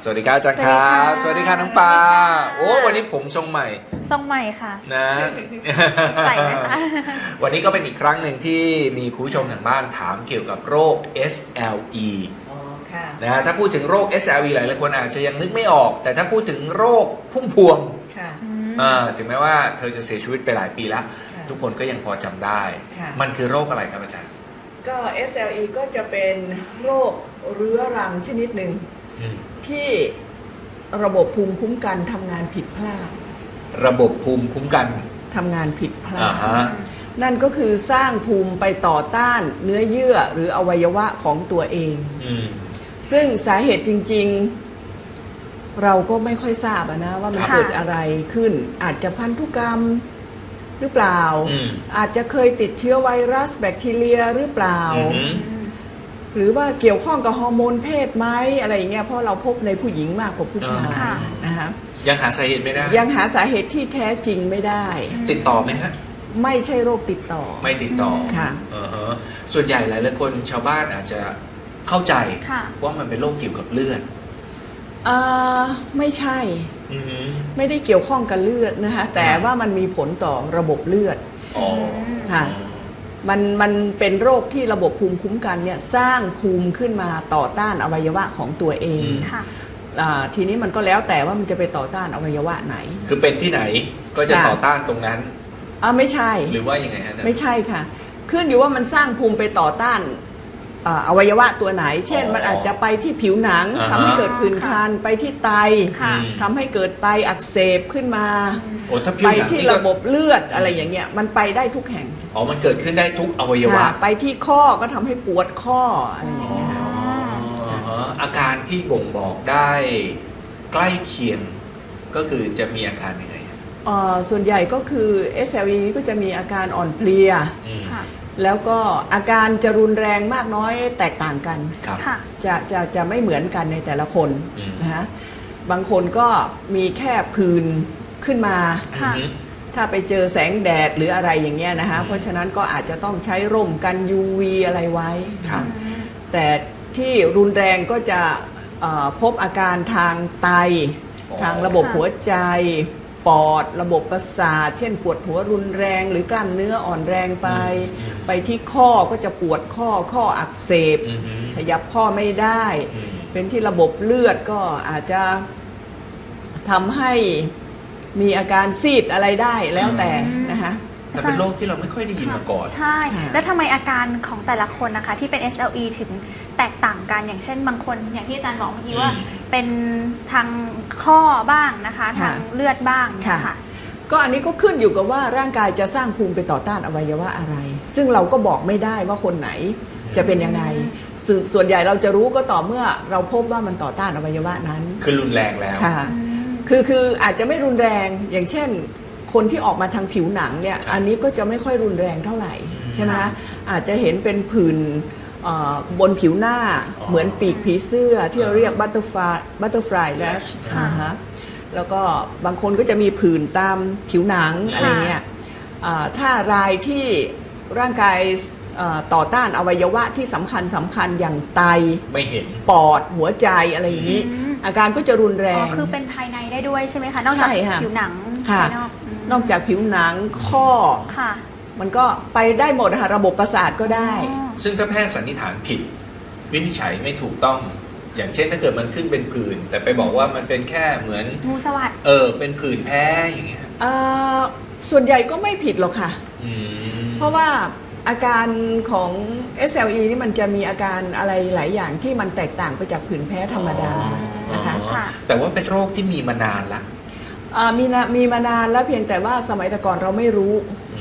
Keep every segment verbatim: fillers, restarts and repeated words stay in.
สวัสดีครับอาจารย์ครับสวัสดีค่ะน้องปาโอ้วันนี้ผมทรงใหม่ทรงใหม่ค่ะนะใส่ไหมคะวันนี้ก็เป็นอีกครั้งหนึ่งที่มีคุณผู้ชมทางบ้านถามเกี่ยวกับโรค เอส แอล อี นะถ้าพูดถึงโรค เอส แอล อี หลายหลายคนอาจจะยังนึกไม่ออกแต่ถ้าพูดถึงโรคพุ่มพวงถึงแม้ว่าเธอจะเสียชีวิตไปหลายปีแล้วทุกคนก็ยังพอจำได้มันคือโรคอะไรครับอาจารย์ก็ เอส แอล อี ก็จะเป็นโรคเรื้อรังชนิดหนึ่งที่ระบบภูมิคุ้มกันทำงานผิดพลาดระบบภูมิคุ้มกันทำงานผิดพลาดนั่นก็คือสร้างภูมิไปต่อต้านเนื้อเยื่อหรืออวัยวะของตัวเองซึ่งสาเหตุจริงๆเราก็ไม่ค่อยทราบนะว่ามันเกิดอะไรขึ้นอาจจะพันธุกรรมหรือเปล่าอาจจะเคยติดเชื้อไวรัสแบคทีเรียหรือเปล่าหรือว่าเกี่ยวข้องกับฮอร์โมนเพศไหมอะไรอย่างเงี้ยเพราะเราพบในผู้หญิงมากกว่าผู้ชายนะคะยังหาสาเหตุไม่ได้ยังหาสาเหตุที่แท้จริงไม่ได้ติดต่อไหมฮะไม่ใช่โรคติดต่อไม่ติดต่อค่ะส่วนใหญ่หลายหลายคนชาวบ้านอาจจะเข้าใจว่ามันเป็นโรคเกี่ยวกับเลือดอ่าไม่ใช่ไม่ได้เกี่ยวข้องกับเลือดนะคะแต่ว่ามันมีผลต่อระบบเลือดค่ะมันมันเป็นโรคที่ระบบภูมิคุ้มกันเนี่ยสร้างภูมิขึ้นมาต่อต้านอวัยวะของตัวเองทีนี้มันก็แล้วแต่ว่ามันจะไปต่อต้านอวัยวะไหนคือเป็นที่ไหนก็จะต่อต้านตรงนั้นอ่าไม่ใช่หรือว่ายังไงฮะไม่ใช่ค่ะขึ้นอยู่ว่ามันสร้างภูมิไปต่อต้านอวัยวะตัวไหนเช่นมันอาจจะไปที่ผิวหนังทำให้เกิดผื่นคันไปที่ไตทำให้เกิดไตอักเสบขึ้นมาไปที่ระบบเลือดอะไรอย่างเงี้ยมันไปได้ทุกแห่งอ๋อมันเกิดขึ้นได้ทุกอวัยวะไปที่ข้อก็ทำให้ปวดข้ออะไรอย่างเงี้ยอาการที่บ่งบอกได้ใกล้เคียงก็คือจะมีอาการยังไงส่วนใหญ่ก็คือ เอส แอล อี นี้ก็จะมีอาการอ่อนเพลียแล้วก็อาการจะรุนแรงมากน้อยแตกต่างกันจะจะจะไม่เหมือนกันในแต่ละคนนะฮะบางคนก็มีแค่ผื่นขึ้นมาถ้าไปเจอแสงแดดหรืออะไรอย่างเงี้ยนะฮะเพราะฉะนั้นก็อาจจะต้องใช้ร่มกัน ยู วี อะไรไว้แต่ที่รุนแรงก็จะพบอาการทางไตทางระบบหัวใจปอดระบบประสาทเช่นปวดหัวรุนแรงหรือกล้ามเนื้ออ่อนแรงไปไปที่ข้อก็จะปวดข้อข้ออักเสบขยับข้อไม่ได้เป็นที่ระบบเลือดก็อาจจะทำให้มีอาการซีดอะไรได้แล้วแต่นะคะแต่เป็นโรคที่เราไม่ค่อยได้ยินมาก่อนใช่แล้วทำไมอาการของแต่ละคนนะคะที่เป็น เอส แอล อี ถึงแตกต่างกันอย่างเช่นบางคนอย่างที่อาจารย์บอกเมื่อกี้ว่าเป็นทางข้อบ้างนะคะทางเลือดบ้างนะคะก็อันนี้ก็ขึ้นอยู่กับว่าร่างกายจะสร้างภูมิไปต่อต้านอวัยวะอะไรซึ่งเราก็บอกไม่ได้ว่าคนไหนจะเป็นยังไงส่วนใหญ่เราจะรู้ก็ต่อเมื่อเราพบว่ามันต่อต้านอวัยวะนั้นคือรุนแรงแล้วค่ะคือคืออาจจะไม่รุนแรงอย่างเช่นคนที่ออกมาทางผิวหนังเนี่ยอันนี้ก็จะไม่ค่อยรุนแรงเท่าไหร่ใช่ไหมอาจจะเห็นเป็นผื่นบนผิวหน้าเหมือนปีกผีเสื้อที่เราเรียกบัตเตอร์ฟลายบัตเตอร์ฟลายแลชแล้วก็บางคนก็จะมีผื่นตามผิวหนังอะไรเงี้ยถ้ารายที่ร่างกายต่อต้านอวัยวะที่สำคัญสำคัญอย่างไตไม่เห็นปอดหัวใจอะไรอย่างนี้อาการก็จะรุนแรงคือเป็นภายในได้ด้วยใช่ไหมคะนอกจากผิวหนังภายนอกนอกจากผิวหนังข้อมันก็ไปได้หมดค่ะระบบประสาทก็ได้ซึ่งถ้าแพทย์สันนิษฐานผิดวินิจฉัยไม่ถูกต้องอย่างเช่นถ้าเกิดมันขึ้นเป็นผื่นแต่ไปบอกว่ามันเป็นแค่เหมือนงูสวัสด์เออเป็นผื่นแพ้อย่างเงี้ยส่วนใหญ่ก็ไม่ผิดหรอกค่ะเพราะว่าอาการของ เอส แอล อี นี่มันจะมีอาการอะไรหลายอย่างที่มันแตกต่างไปจากผื่นแพ้ธรรมดานะคะแต่ว่าเป็นโรคที่มีมานานละมีมีมานานแล้วเพียงแต่ว่าสมัยแต่ก่อนเราไม่รู้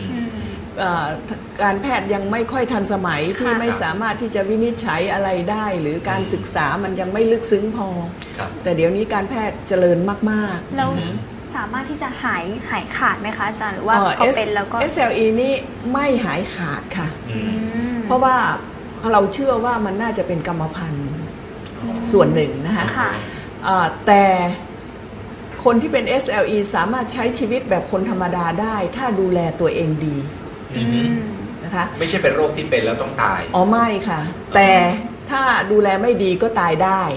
การแพทย์ยังไม่ค่อยทันสมัยที่ไม่สามารถที่จะวินิจฉัยอะไรได้หรือการศึกษามันยังไม่ลึกซึ้งพอแต่เดี๋ยวนี้การแพทย์เจริญมากๆแล้วสามารถที่จะหายหายขาดไหมคะอาจารย์หรือว่าพอเป็นแล้วก็เอส แอล อี นี่ไม่หายขาดค่ะเพราะว่าเราเชื่อว่ามันน่าจะเป็นกรรมพันธุ์ส่วนหนึ่งนะคะแต่คนที่เป็น เอส แอล อี สามารถใช้ชีวิตแบบคนธรรมดาได้ถ้าดูแลตัวเองดีนะคะไม่ใช่เป็นโรคที่เป็นแล้วต้องตายอ๋อไม่ค่ะแต่ถ้าดูแลไม่ดีก็ตายได้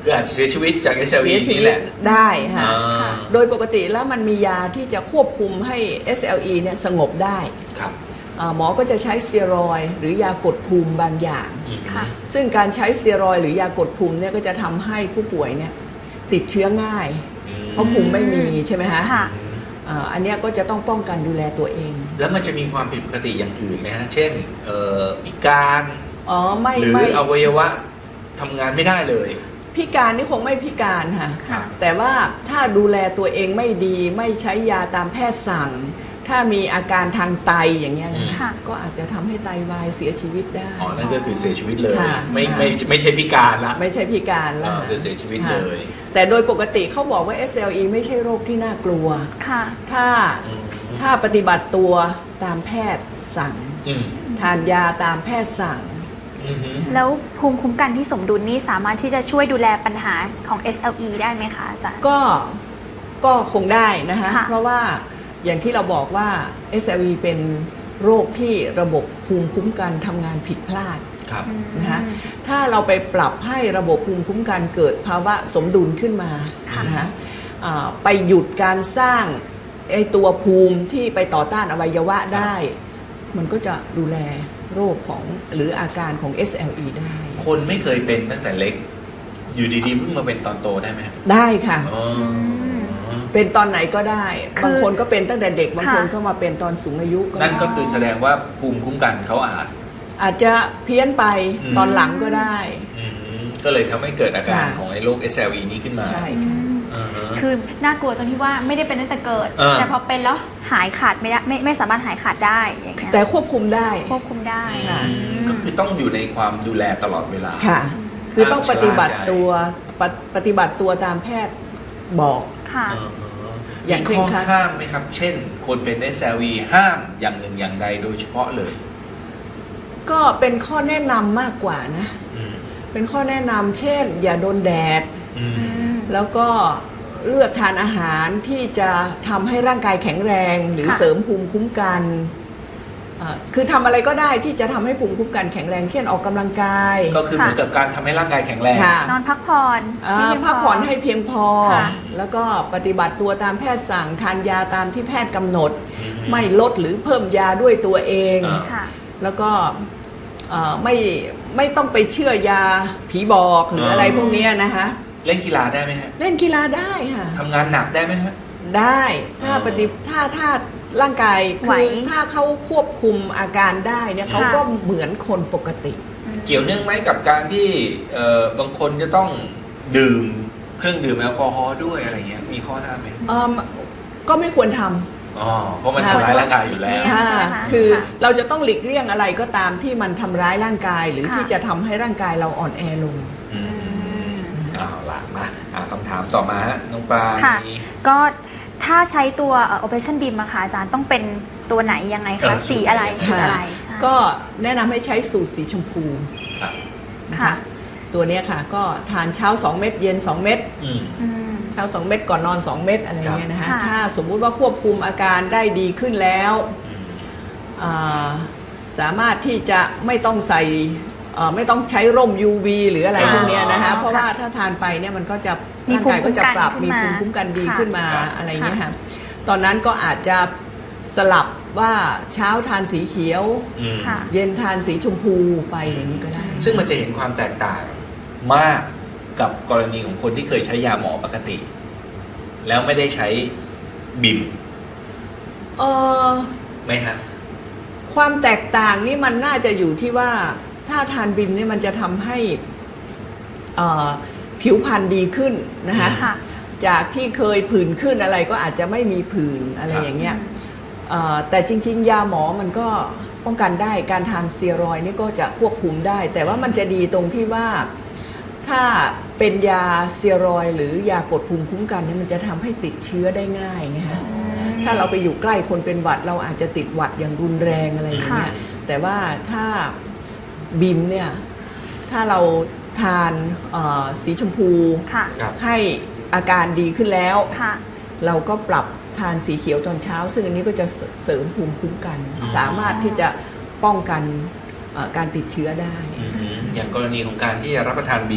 คืออาจจะเสียชีวิตจาก เอส แอล อีเสียชีนี่วิแหตละได้ค่ะอ่าโดยปกติแล้วมันมียาที่จะควบคุมให้ เอส แอล อี เนี่ยสงบได้ครับอ่าหมอก็จะใช้สเตียรอยด์หรือยากดภูมิบางอย่างอืมค่ะซึ่งการใช้สเตียรอยด์หรือยากดภูมิเนี่ยก็จะทำให้ผู้ป่วยเนี่ยติดเชื้อง่าย เพราะภูมิไม่มีใช่ไหมฮะค่ะอ่าอันเนี้ยก็จะต้องป้องกันดูแลตัวเองแล้วมันจะมีความผิดปกติอย่างอื่นไหมฮะ เช่นเอ่อพิการอ๋อไม่หรือไม่อวัยวะทำงานไม่ได้เลยพิการนี่คงไม่พิการค่ะค่ะแต่ว่าถ้าดูแลตัวเองไม่ดีไม่ใช้ยาตามแพทย์สั่ง ถ้ามีอาการทางไตอย่างเงี้ยนะค่ะก็อาจจะทำให้ไตวายเสียชีวิตได้อ๋อ นั่นก็คือเสียชีวิตเลยค่ะไม่ไม่ไม่ใช่พิการละไม่ใช่พิการแล้วอ่าคือเสียชีวิตเลยแต่โดยปกติเขาบอกว่า เอส แอล อี ไม่ใช่โรคที่น่ากลัวค่ะถ้าอืมถ้าปฏิบัติตัวตามแพทย์สั่งอืมทานยาตามแพทย์สั่งอืมฮึแล้วภูมิคุ้มกันที่สมดุลนี่สามารถที่จะช่วยดูแลปัญหาของ เอส แอล อี ได้ไหมคะอาจารย์ก็ก็คงได้นะคะค่ะเพราะว่าอย่างที่เราบอกว่า เอส แอล อี เป็นโรคที่ระบบภูมิคุ้มกันทำงานผิดพลาดครับนะคะถ้าเราไปปรับให้ระบบภูมิคุ้มกันเกิดภาวะสมดุลขึ้นมาค่ะนะคะอ่าไปหยุดการสร้างไอตัวภูมิที่ไปต่อต้านอวัยวะได้ มันก็จะดูแลโรคของหรืออาการของ เอส แอล อี ได้คนไม่เคยเป็นตั้งแต่เล็ก อยู่ดีๆเพิ่งมาเป็นตอนโตได้ไหมครับได้ค่ะอ๋อเป็นตอนไหนก็ได้คือบางคนก็เป็นตั้งแต่เด็ก บางคนค่ะก็มาเป็นตอนสูงอายุก็นั่นได้ก็คือแสดงว่าภูมิคุ้มกันเขาอาจอาจจะเพี้ยนไปอืมตอนหลังก็ได้อืมก็เลยทำให้เกิดอาการค่ะของไอ้โรค เอส แอล อี นี้ขึ้นมาใช่อืค่ะมอ่าฮะคือน่ากลัวตรงที่ว่าไม่ได้เป็นตั้งแต่เกิดเออแต่พอเป็นแล้วหายขาดไม่ได้ไม่ไม่สามารถหายขาดได้อย่างเงี้ยแต่ควบคุมได้ควบคุมได้ค่ะอืมก็คือต้องอยู่ในความดูแลตลอดเวลาค่ะ คือต้องปฏิบัติห้ามชะล่าใจตัวปฏิปฏิบัติตัวตามแพทย์บอกค่ะอ่าฮะอย่างมีเคร่ข้งอครัดห้ามไหมครับ เช่น คนเป็น เอส แอล อี ห้ามอย่างหนึ่งอย่างใดโดยเฉพาะเลยก็เป็นข้อแนะนำมากกว่านะอืมเป็นข้อแนะนำเช่น อย่าโดนแดดอืมอืมแล้วก็เลือกทานอาหารที่จะทำให้ร่างกายแข็งแรง หรือค่ะเสริมภูมิคุ้มกันอ่าคือทำอะไรก็ได้ที่จะทำให้ภูมิคุ้มกันแข็งแรง เช่นออกกำลังกายก็คือเหมือนกับการทำให้ร่างกายแข็งแรงค่ะนอนพักผ่อนอ่าให้เพียงพักผ่อนให้เพียงพอค่ะแล้วก็ปฏิบัติตัวตามแพทย์สั่งทานยาตามที่แพทย์กำหนดอืมไม่ลดหรือเพิ่มยาด้วยตัวเองอ่าค่ะแล้วก็เอ่อไม่ไม่ต้องไปเชื่อยาผีบอกหรืออะไรพวกเนี้ยนะคะเล่นกีฬาได้ไหมฮะเล่นกีฬาได้ค่ะทำงานหนักได้ไหมฮะได้ถ้าอ๋อปฏิถ้าถ้าร่างกายไหวคือถ้าเขาควบคุมอาการได้เนี่ยเขาค่ะก็เหมือนคนปกติเกี่ยวเนื่องไหมกับการที่เอ่อบางคนจะต้องดื่มเครื่องดื่มแอลกอฮอล์ด้วยอะไรเงี้ยมีข้อห้ามไหมเอิ่มก็ไม่ควรทำอ๋อเพราะมันทำร้ายร่างกายอยู่แล้วค่ะ ใช่ไหมคะคือค่ะเราจะต้องหลีกเลี่ยงอะไรก็ตามที่มันทำร้ายร่างกาย หรือค่ะที่จะทำให้ร่างกายเราอ่อนแอลงอืมเอาล่ะมาอ่าคำถามต่อมาฮะน้องปลาค่ะมีก็ถ้าใช้ตัวเอ่อ Operation Beam อะค่ะอาจารย์ต้องเป็นตัวไหนยังไงเอคะอสีอะไรสูสีตรอะไรใช่ก็แนะนำให้ใช้สูตรสีชมพูครับนะค่ะคะตัวเนี้ยค่ะก็ทานเช้า สอง เม็ดเย็น สอง เม็ดอืมอืมเช้า สอง เม็ดก่อนนอน สอง เม็ดอะไรเงี้ยนะคะค่ะถ้าสมมุติว่าควบคุมอาการได้ดีขึ้นแล้วอืมอ่าสามารถที่จะไม่ต้องใส่เอ่อไม่ต้องใช้ร่ม ยู วี หรืออะไรอ๋อพวกเนี้ยนะคะเพราะว่าถ้าทานไปเนี่ยมันก็จะมีร่างกายก็จะปรับภูมีมิภูคุ้มิมคุ้มกักัน นดีค่ะขึ้นมาค่ะอะไรเงี้ยค่ะตอนนั้นก็อาจจะสลับว่าเช้าทานสีเขียวอืมค่ะเย็นทานสีชมพูไปอย่างนี้ก็ได้ซึ่งมันจะเห็นความแตกต่างมากกับกรณีของคนที่เคยใช้ยาหมอปกติ แล้วไม่ได้ใช้บิมเออไหมฮะความแตกต่างนี่มันน่าจะอยู่ที่ว่าถ้าทานบิมเนี่ยมันจะทำให้เอ่อผิวพรรณดีขึ้นนะคะค่ะจากที่เคยผื่นขึ้นอะไรก็อาจจะไม่มีผื่นอะไรครับอย่างเงี้ยเอ่อแต่จริงๆ ยาหมอมันก็ป้องกันได้การทานสเตียรอยด์นี่ก็จะควบคุมได้ แต่ว่ามันจะดีตรงที่ว่าถ้าเป็นยาสเตียรอยด์หรือยากดภูมิคุ้มกันเนี่ยมันจะทำให้ติดเชื้อได้ง่ายไงฮะถ้าเราไปอยู่ใกล้คนเป็นหวัดเราอาจจะติดหวัดอย่างรุนแรงอะไรอย่างเงี้ยค่ะแต่ว่าถ้าบิมเนี่ยถ้าเราทานเอ่อสีชมพูค่ะครับให้อาการดีขึ้นแล้วค่ะเราก็ปรับทานสีเขียวตอนเช้า ซึ่งอันนี้ก็จะเสริมภูมิคุ้มกันอ๋อสามารถที่จะป้องกันเอ่อการติดเชื้อได้อืมอย่างกรณีของการที่จะรับประทานบิม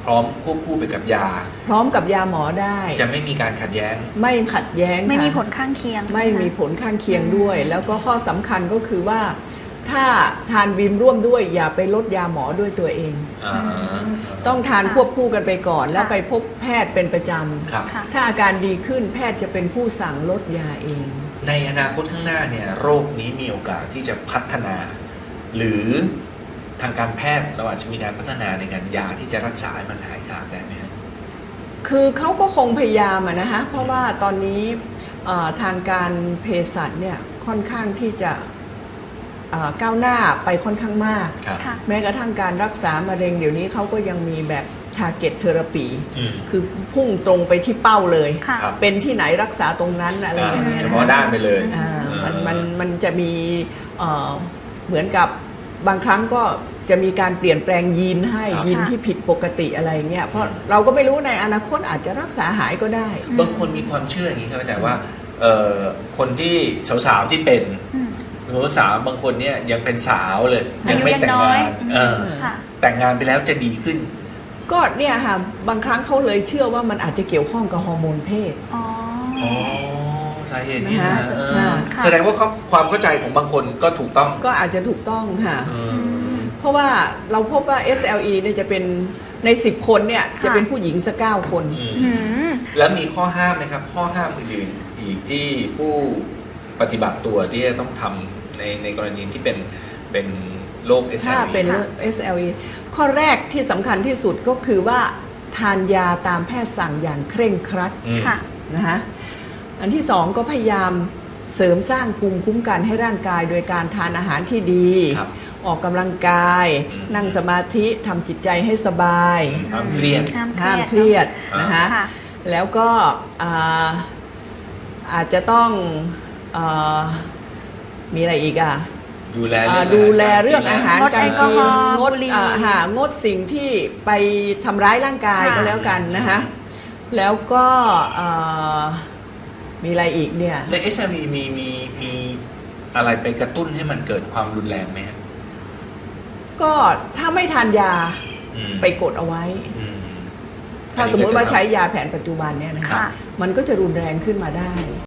พร้อมควบคู่ไปกับยาพร้อมกับยาหมอได้จะไม่มีการขัดแย้งไม่ขัดแย้งไม่มีค่ะผลข้างเคียงไม่ใช่หมีผลข้างเคียงด้วย แล้วก็ข้อสำคัญก็คือว่า ถ้าทานบีมร่วมด้วยอย่าไปลดยาหมอด้วยตัวเองอ่าต้องทานควบคู่กันไปก่อน แล้วไปพบแพทย์เป็นประจครับค่ะำถ้าอาการดีขึ้นแพทย์จะเป็นผู้สั่งลดยาเองในอนาคตข้างหน้าเนี่ยโรคนี้มีโอกาสที่จะพัฒนา หรือทางการแพทย์เราอาจจะมีการพัฒนาในการยาที่จะรักษาให้มันหายขาดได้ไหมครับคือเขาก็คงพยายามอะนะฮะเพราะว่าตอนนี้เอ่อทางการเภสัชเนี่ยค่อนข้างที่จะเอ่อก้าวหน้าไปค่อนข้างมากครับค่ะแม้กระทั่งการรักษามะเร็งเดี๋ยวนี้เขาก็ยังมีแบบทาร์เก็ตเทอราปีอืมคือพุ่งตรงไปที่เป้าเลยค่ะครับเป็นที่ไหนรักษาตรงนั้นอะไรอย่างเงี้ยเฉนพาะด้านไปเลยอ่าเออมันมันมันจะมีเอ่อเหมือนกับบางครั้งก็จะมีการเปลี่ยนแปลงยีนให้ยีนที่ผิดปกติอะไรเงี้ยเพราะเราก็ไม่รู้ในอนาคตอาจจะรักษาหายก็ได้บางคนมีความเชื่ออย่างนี้ครับอาจารย์ว่าเอ่อคนที่สาวๆที่เป็นอืมสมมติสาวบางคนเนี่ยยังเป็นสาวเลยอายุไม่แต่งยังน้อยงานเออค่ะแต่งงานไปแล้วจะดีขึ้นก็เนี่ยค่ะบางครั้งเขาเลยเชื่อว่ามันอาจจะเกี่ยวข้องกับฮอร์โมนเพศอ๋ออ๋อสาเหตุนี้นะนะคะเออค่ะแสดงว่าเขาความเข้าใจของบางคนก็ถูกต้องก็อาจจะถูกต้องค่ะเออเพราะว่าเราพบว่า เอส แอล อี เนี่ยจะเป็นในสิบคนเนี่ยจะเป็นผู้หญิงสักเก้าคนอืมอืมแล้วมีข้อห้ามไหมครับ ข้อห้ามอื่นๆอีกที่ผู้ปฏิบัติตัวที่จะต้องทำในในกรณีที่เป็นเป็นโรค เอส แอลถ้าอีเป็น เอส แอล อี ข้อแรกที่สำคัญที่สุดก็คือว่าทานยาตามแพทย์สั่งอย่างเคร่งครัดอืมค่ะนะคะอันที่สองก็พยายามเสริมสร้างภูมิคุ้มกันให้ร่างกายโดยการทานอาหารที่ดีครับออกกำลังกายอืมนั่งสมาธิทำจิตใจให้สบายห้ามเครียดห้ามเครียดอ่านนะคะค่ะแล้วก็อ่าอาจจะต้องอามีอะไรอีกอ่ะดูแลอ่าเรื่องดูแลเรื่องอาหารงดการแอลกอกิฮนอล์งดบุหรี่อ่าหางดสิ่งที่ไปทำร้ายร่างกายค่ะก็แล้วกันนะคะแล้วก็อ่ามีอะไรอีกเนี่ยใน เอส แอล อี มีมีมีอะไรไปกระตุ้นให้มันเกิดความรุนแรงไหมครับก็ถ้าไม่ทานยาอืมไปกดเอาไว้อืมถ้าสมมุติว่าใช้ยาแผนปัจจุบันเนี่ยนะครัคะบมันก็จะรุนแรงขึ้นมาได้